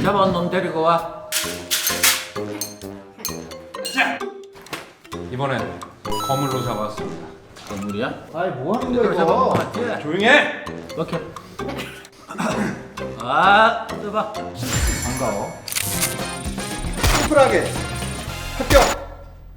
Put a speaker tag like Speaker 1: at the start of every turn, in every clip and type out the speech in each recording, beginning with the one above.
Speaker 1: 잡아온 놈 데리고 와.
Speaker 2: 자, 이번엔 거물로 잡았습니다.
Speaker 1: 건물이야?
Speaker 3: 아이 뭐 하는
Speaker 1: 이대로
Speaker 3: 거야
Speaker 1: 잡아온 거
Speaker 3: 이거?
Speaker 1: 맞지?
Speaker 2: 조용히 해!
Speaker 1: 오케이. 아, 떠봐.
Speaker 3: 반가워. 심플하게 합격.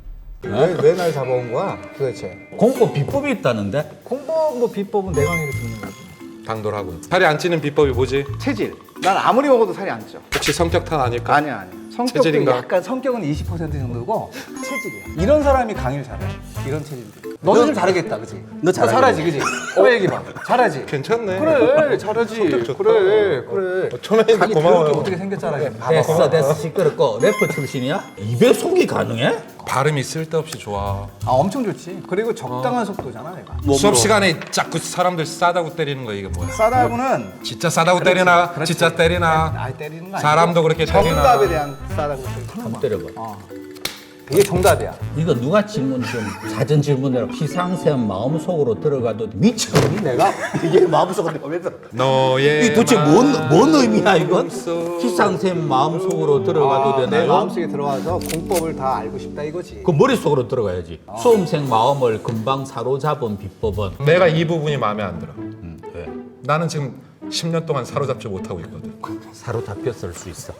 Speaker 3: 왜 날 잡아온 거야 도대체?
Speaker 1: 공법 비법이 있다는데?
Speaker 3: 공법 뭐 비법은 내 강의를 듣는 거지.
Speaker 2: 당돌하군. 살이 안 찌는 비법이 뭐지?
Speaker 3: 체질. 난 아무리 먹어도 살이 안 쪄.
Speaker 2: 혹시 성격 탓 아닐까?
Speaker 3: 아니야. 성격도
Speaker 2: 체질인가?
Speaker 3: 약간 성격은 20% 정도고 체질이야. 이런 사람이 강의를 잘해. 이런 체질들. 너도 좀 잘하겠다, 그지? 너 잘하지, 그지? 얘기 봐. 잘하지.
Speaker 2: 괜찮네.
Speaker 3: 그래, 잘하지.
Speaker 2: 성격 좋다.
Speaker 3: 그래.
Speaker 2: 천하인데
Speaker 3: 강의
Speaker 2: 고마워요.
Speaker 3: 더럽게 어떻게 생겼잖아.
Speaker 1: 됐어 시끄럽고. 래퍼 출신이야? 입에 속이 가능해?
Speaker 2: 발음이 쓸데없이 좋아.
Speaker 3: 아, 엄청 좋지. 그리고 적당한 속도잖아, 내가.
Speaker 2: 수업 시간에 자꾸 사람들 싸다고 때리는 거 이게 뭐야?
Speaker 3: 싸다고는
Speaker 2: 진짜 싸다고 때리나?
Speaker 3: 그렇지.
Speaker 2: 진짜 때리나?
Speaker 3: 아예 때리는 거 아니고
Speaker 2: 사람도 그렇게 때리나?
Speaker 3: 정답에 대한 싸다고
Speaker 1: 한번 때려봐.
Speaker 3: 이게 정답이야.
Speaker 1: 이거 누가 질문 좀 사전 질문대로 피상샘 마음속으로 들어가도 미쳤니 내가? 이게 마음속으로 들어가면서
Speaker 2: 너의
Speaker 1: 이 도대체 뭔 의미야 이건?
Speaker 2: 마음속.
Speaker 1: 피상샘 마음속으로 들어가도
Speaker 3: 내
Speaker 1: 되나요?
Speaker 3: 마음속에 들어와서 공법을 다 알고 싶다 이거지.
Speaker 1: 그 머릿속으로 들어가야지. 수험생 마음을 금방 사로잡은 비법은?
Speaker 2: 내가 이 부분이 마음에 안 들어.
Speaker 1: 왜?
Speaker 2: 나는 지금 10년 동안 사로잡지 못하고 있거든.
Speaker 1: 사로잡혔을 수 있어.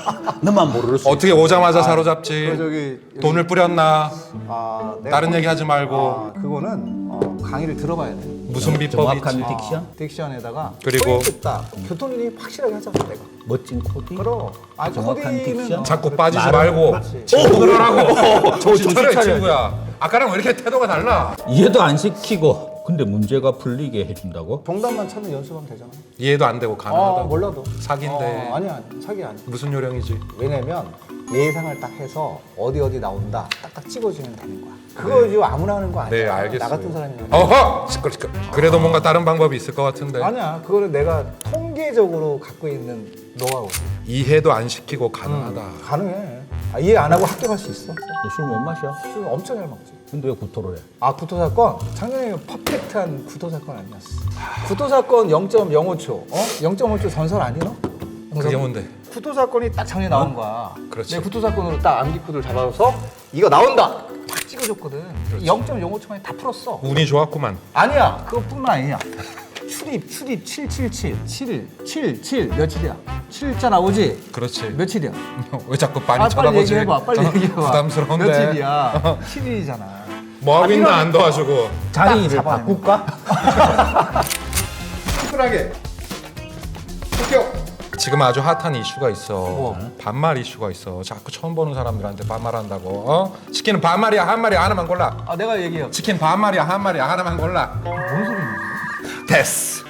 Speaker 1: 너만 모를 수
Speaker 2: 어떻게 오자마자 사로잡지?
Speaker 3: 그 저기
Speaker 2: 돈을 뿌렸나?
Speaker 3: 내가
Speaker 2: 다른 얘기 하지 말고
Speaker 3: 그거는 강의를 들어봐야 돼.
Speaker 2: 무슨 비법이
Speaker 1: 정확한
Speaker 2: 있지?
Speaker 1: 딕션?
Speaker 3: 딕션에다가
Speaker 2: 그리고
Speaker 3: 포인트 딱 교통이 확실하게 하잖아 내가.
Speaker 1: 멋진 코디?
Speaker 3: 그럼
Speaker 1: 정확한
Speaker 3: 코디는
Speaker 1: 딕션?
Speaker 2: 자꾸 빠지지
Speaker 1: 말을-
Speaker 2: 말고
Speaker 3: 그렇지.
Speaker 2: 질문을 하고
Speaker 1: 정신
Speaker 2: 차려
Speaker 1: 차려야지.
Speaker 2: 친구야. 아까랑 왜 이렇게 태도가 달라?
Speaker 1: 이해도 안 시키고 근데 문제가 풀리게 해준다고?
Speaker 3: 정답만 찾는 연습하면 되잖아.
Speaker 2: 이해도 안 되고 가능하다고.
Speaker 3: 몰라도.
Speaker 2: 사기인데.
Speaker 3: 아니야 사기 아니야.
Speaker 2: 무슨 요령이지?
Speaker 3: 왜냐면 예상을 딱 해서 어디 나온다 딱딱 찍어주면 되는 거야. 그거 지금 아무나 하는 거 아니야.
Speaker 2: 네, 알겠어요.
Speaker 3: 나 같은 사람이 하는
Speaker 2: 어허! 시끄러. 그래도 뭔가 다른 방법이 있을 것 같은데.
Speaker 3: 아니야. 그거는 내가 통계적으로 갖고 있는 노하우.
Speaker 2: 이해도 안 시키고 가능하다.
Speaker 3: 가능해. 이해 안 하고 합격할 수 있어.
Speaker 1: 너 술 못 마셔?
Speaker 3: 술 엄청 잘 먹지.
Speaker 1: 근데 왜 구토를 해?
Speaker 3: 구토 사건 작년에 퍼펙트한 구토 사건 아니었어. 구토 사건 0.05초. 0.5초 전설 아니너?
Speaker 2: 그게 뭔데?
Speaker 3: 구토 사건이 딱 작년에 나온 거야.
Speaker 2: 그렇지.
Speaker 3: 내 구토 사건으로 딱 암기 코드를 잡아서 이거 나온다. 딱 찍어줬거든. 0.05초 만에 다 풀었어.
Speaker 2: 운이 좋았구만.
Speaker 3: 아니야. 그것뿐만 아니야. 출입 777 7 며칠이야? 7자 나오지?
Speaker 2: 그렇지.
Speaker 3: 며칠이야?
Speaker 2: 왜 자꾸 많이
Speaker 3: 빨리
Speaker 2: 쳐다보지?
Speaker 3: 얘기해봐. 빨리 얘기해봐.
Speaker 2: 부담스러운데.
Speaker 3: 며칠이야? 7일이잖아.
Speaker 2: 뭐 하고 있나 안 도와주고.
Speaker 1: 자리를
Speaker 3: 잡아내는
Speaker 1: 바꿀까?
Speaker 3: 심플하게 합격.
Speaker 2: 지금 아주 핫한 이슈가 있어.
Speaker 3: 뭐?
Speaker 2: 반말 이슈가 있어. 자꾸 처음 보는 사람들한테 반말한다고. 어? 치킨은 반말이야, 한말이야, 하나만 골라.
Speaker 3: 내가 얘기해.
Speaker 2: 치킨 반말이야, 한말이야, 하나만 골라.
Speaker 3: 뭔 소리냐?
Speaker 2: 됐어.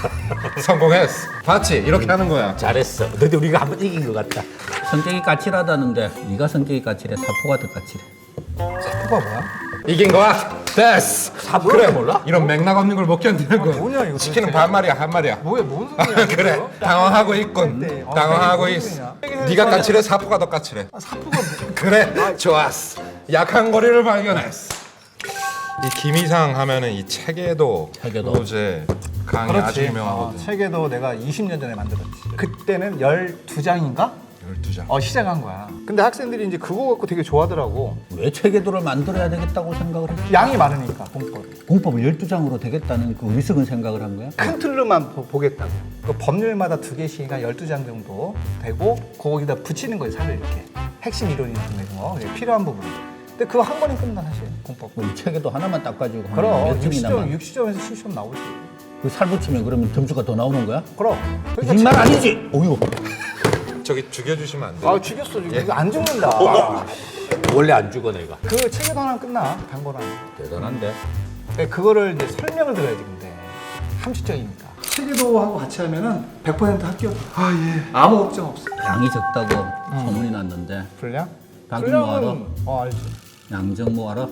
Speaker 2: 성공했어. 봤지? 이렇게 하는 거야.
Speaker 1: 잘했어. 근데 우리가 한번 이긴 것 같다. 성격이 까칠하다는데 네가 성격이 까칠해? 사포가 더 까칠해.
Speaker 3: 사포가 뭐야?
Speaker 2: 이긴 거야. 됐어.
Speaker 1: 사포를 몰라?
Speaker 2: 이런 맥락 없는 걸 못 견디는 거야.
Speaker 3: 뭐냐, 이거
Speaker 2: 치킨은
Speaker 3: 도대체?
Speaker 2: 반말이야, 한말이야.
Speaker 3: 뭔 소리야?
Speaker 2: 그래.
Speaker 3: 이거?
Speaker 2: 당황하고 있군.
Speaker 3: 네.
Speaker 2: 당황하고
Speaker 3: 이게
Speaker 2: 있어.
Speaker 3: 무슨 소리냐?
Speaker 2: 네가 까칠해, 사포가 더 까칠해.
Speaker 3: 사포가 뭐?
Speaker 2: 그래, 좋았어. 약한 거리를 발견했어. 이 김이상 하면은 이 체계도
Speaker 1: 체계도.
Speaker 2: 로제 강의 아주 유명하거든.
Speaker 3: 책에도 내가 20년 전에 만들었지. 그때는 12장인가?
Speaker 2: 12장.
Speaker 3: 시작한 거야. 근데 학생들이 이제 그거 갖고 되게 좋아하더라고.
Speaker 1: 왜 체계도를 만들어야 되겠다고 생각을 했지?
Speaker 3: 양이 많으니까 공법이.
Speaker 1: 공법을 12장으로 되겠다는 그 위석은 생각을 한 거야?
Speaker 3: 큰 틀로만 보겠다고. 그 법률마다 2개씩이니까 12장 정도 되고 거기다 붙이는 거예요, 살을 이렇게. 핵심 이론이 있는 거, 필요한 부분. 근데 그거 한 번에 끝나 사실 공법.
Speaker 1: 뭐 이 체계도 하나만 딱 가지고
Speaker 3: 그럼
Speaker 1: 몇 점이나
Speaker 3: 60점에서 70점 나오지.
Speaker 1: 그살 붙이면 그러면 점수가 더 나오는 거야?
Speaker 3: 그럼.
Speaker 1: 거짓말 아니지? 어휴.
Speaker 2: 저기 죽여주시면 안 돼요?
Speaker 3: 죽였어. 이거 안 죽는다.
Speaker 1: 원래 안 죽어 내가.
Speaker 3: 그 책에도 하나 끝나. 단거나.
Speaker 1: 대단한데.
Speaker 3: 그거를 이제 설명을 들어야지 근데 함축적이니까. 체계도하고 같이 하면은 100% 합격. 아무 걱정 없어.
Speaker 1: 양이 적다고 소문이 났는데
Speaker 3: 분량?
Speaker 1: 박윤모 알아?
Speaker 3: 알지.
Speaker 1: 양정모 알아?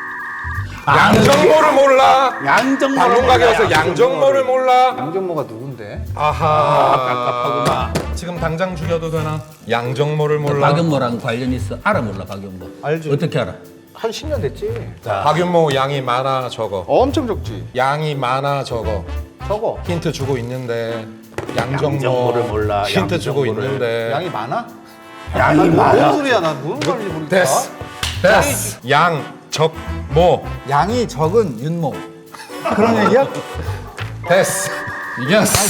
Speaker 2: 양정모를 몰라.
Speaker 1: 양정모
Speaker 2: 방송 가게 와서 양정모를 몰라.
Speaker 3: 양정모가 누군데?
Speaker 2: 아하. 지금 당장 죽여도 되나? 양정모를 몰라.
Speaker 1: 박윤모랑 관련 있어? 알아 몰라 박윤모?
Speaker 3: 알지.
Speaker 1: 어떻게 알아?
Speaker 3: 한 10년 됐지.
Speaker 2: 박윤모 양이 많아 적어.
Speaker 3: 엄청 적지.
Speaker 2: 양이 많아 적어.
Speaker 3: 적어.
Speaker 2: 힌트 주고 있는데
Speaker 1: 양정모를 몰라.
Speaker 2: 힌트 주고
Speaker 1: 양정모를.
Speaker 2: 있는데.
Speaker 3: 양이 많아?
Speaker 1: 양이 많아.
Speaker 3: 무슨 소리야? 나 무슨 말인지 모르겠다.
Speaker 2: 됐어. 됐어. 양, 적, 모.
Speaker 3: 양이 적은 윤모. 그런 얘기야?
Speaker 2: 됐어. 이겼어.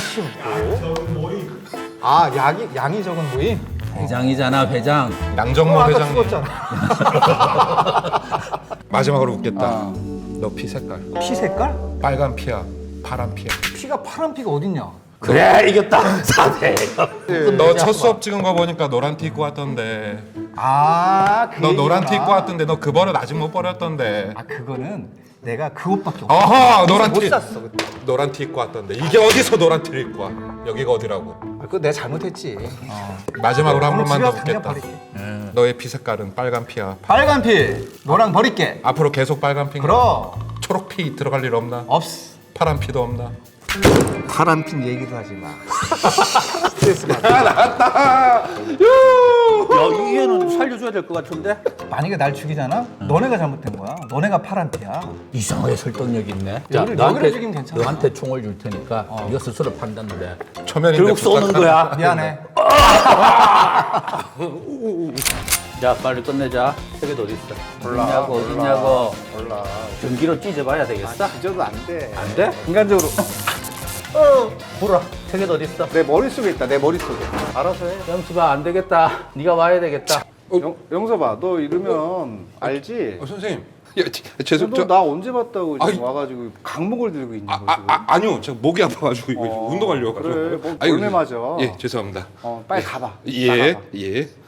Speaker 3: 아, 양이 적은 모임?
Speaker 1: 회장이잖아, 회장.
Speaker 2: 양정모
Speaker 3: 아까
Speaker 2: 회장님.
Speaker 3: 죽었잖아.
Speaker 2: 마지막으로 묻겠다.
Speaker 3: 아.
Speaker 2: 너 피 색깔.
Speaker 3: 피 색깔?
Speaker 2: 빨간 피야, 파란 피야.
Speaker 3: 피가 파란 피가 어딨냐?
Speaker 1: 그래, 이겼다. 4대.
Speaker 2: 너 첫 수업 찍은 거 보니까 노란 티 입고 왔던데.
Speaker 3: 아, 그
Speaker 2: 너 노란 티
Speaker 3: 얘기구나.
Speaker 2: 입고 왔던데 너 그 버릇 아직 못 버렸던데.
Speaker 3: 아, 그거는 내가 그 옷밖에 없어.
Speaker 2: 어허, 노란
Speaker 3: 못
Speaker 2: 티.
Speaker 3: 샀어 그때.
Speaker 2: 노란 티 입고 왔던데. 이게 어디서 노란 티를 입고 와? 여기가 어디라고?
Speaker 3: 아, 그거 내가 잘못했지.
Speaker 2: 마지막으로 한
Speaker 3: 오늘
Speaker 2: 번만
Speaker 3: 집에
Speaker 2: 더
Speaker 3: 가서 당장
Speaker 2: 묻겠다.
Speaker 3: 버릴게.
Speaker 2: 너의 피 색깔은 빨간 피야.
Speaker 3: 빨간 피, 노랑 버릴게.
Speaker 2: 앞으로 계속 빨간 피인가?
Speaker 3: 그럼
Speaker 2: 초록 피 들어갈 일 없나?
Speaker 3: 없어.
Speaker 2: 파란 피도 없나?
Speaker 3: 파란 핀 얘기도 하지 마. 스트레스 받아.
Speaker 1: 야, 이게는 살려줘야 될 것 같은데?
Speaker 3: 만약에 날 죽이잖아? 너네가 잘못된 거야. 너네가 파란 피야.
Speaker 1: 이상하게 설득력 있네.
Speaker 3: 여기를 죽이면 괜찮아.
Speaker 1: 너한테 총을 줄 테니까 네가 스스로 판단을 해.
Speaker 2: 초면인데
Speaker 1: 결국 쏘는
Speaker 2: 부탁하는-
Speaker 1: 거야.
Speaker 3: 미안해.
Speaker 1: 자, 빨리 끝내자. 세계도 어디 있어? 어딨냐고.
Speaker 3: 몰라.
Speaker 1: 전기로 찢어봐야 되겠어?
Speaker 3: 잊어도 안 돼.
Speaker 1: 안 돼?
Speaker 3: 인간적으로.
Speaker 1: 불어. 세계도 어디 있어?
Speaker 3: 내 머릿속에 있다. 내 머릿속에. 알아서 해.
Speaker 1: 영수봐, 안 되겠다. 네가 와야 되겠다.
Speaker 4: 영서봐, 너 이러면 알지?
Speaker 2: 선생님. 야, 죄송.
Speaker 4: 너 나 언제 봤다고 지금
Speaker 2: 아이.
Speaker 4: 와가지고 강목을 들고 있는 거 지금?
Speaker 2: 아니요. 제가 목이 아파가지고 이거
Speaker 4: 어,
Speaker 2: 운동하려고.
Speaker 4: 그래, 뭐
Speaker 2: 아이고,
Speaker 4: 골매 맞아.
Speaker 2: 예, 죄송합니다.
Speaker 4: 빨리 가봐.
Speaker 2: 예,
Speaker 4: 나가봐.
Speaker 2: 예.